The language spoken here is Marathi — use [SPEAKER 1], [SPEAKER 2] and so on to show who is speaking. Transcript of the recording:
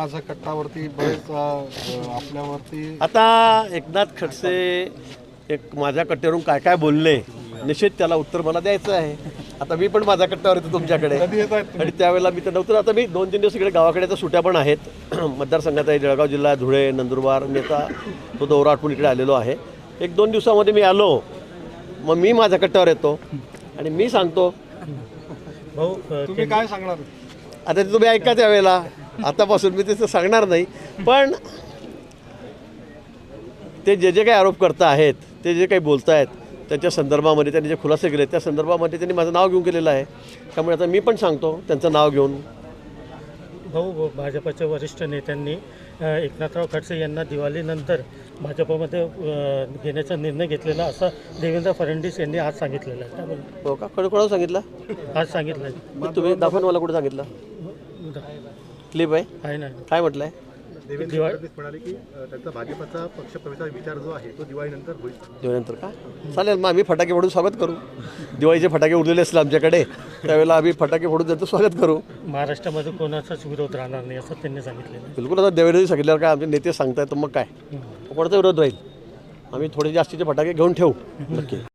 [SPEAKER 1] माझा कट्टावरती बरेच आपल्यावरती
[SPEAKER 2] आता एकनाथ खडसे एक माझ्या कट्ट्यावरून काय काय बोलले, निश्चित त्याला उत्तर मला द्यायचं आहे. आता मी पण माझ्या कट्ट्यावर येतो तुमच्याकडे
[SPEAKER 1] कधी येत आहेत
[SPEAKER 2] आणि त्यावेळेला मी तर नव्हतं. आता मी 2-3 दिवस इकडे गावाकडे तर सुट्या पण आहेत. मतदारसंघात आहे जळगाव जिल्हा, धुळे, नंदुरबार. मी आता तो दौरा आटपून इकडे आलेलो आहे. 1-2 दिवसामध्ये मी आलो, मग मी माझ्या कट्ट्यावर येतो आणि मी सांगतो.
[SPEAKER 3] भाऊ
[SPEAKER 1] तुम्ही काय सांगणार?
[SPEAKER 2] आता ते तुम्ही ऐका त्यावेळेला, आतापासून मी ते सांगणार नाही. पण ते जे जे काही आरोप करता आहेत, ते जे काही बोलत आहेत, त्यांच्या संदर्भामध्ये त्यांनी जे खुलासे केले त्या संदर्भामध्ये त्यांनी माझं नाव घेऊन केलेलं आहे. त्यामुळे आता मी पण सांगतो त्यांचं नाव घेऊन.
[SPEAKER 3] भाऊ भाजपच्या वरिष्ठ नेत्यांनी एकनाथराव खडसे यांना दिवाळीनंतर भाजपमध्ये घेण्याचा निर्णय घेतलेला असं देवेंद्र फडणवीस यांनी आज सांगितलेलं आहे. त्याबद्दल
[SPEAKER 2] हो का? कोणाला सांगितलं?
[SPEAKER 3] आज सांगितलं आहे.
[SPEAKER 2] तुम्ही दाखवा मला कुठे सांगितलं. क्लिप आहे
[SPEAKER 3] ना
[SPEAKER 2] काय म्हटलं आहे?
[SPEAKER 4] देवेंद्र फडणवीस म्हणाले की त्यांचा भाजपचा पक्षप्रवेशाचा विचार जो आहे तो दिवाळीनंतर होईल.
[SPEAKER 2] दिवाळीनंतर का? चालेल, मग आम्ही फटाके फोडून स्वागत करू. दिवाळीचे फटाके उडलेले असले आमच्याकडे त्यावेळेला आम्ही फटाके फोडून त्यांचं स्वागत करू.
[SPEAKER 3] महाराष्ट्रामध्ये कोणाचाच विरोध राहणार नाही असं त्यांनी सांगितलेलं
[SPEAKER 2] बिलकुल. आता देवेंद्रजी सांगितल्यावर काय आमचे नेते सांगतायत तर मग काय कोणाचा विरोध राहील. आम्ही थोडे जास्तीचे फटाके घेऊन ठेवू नक्की.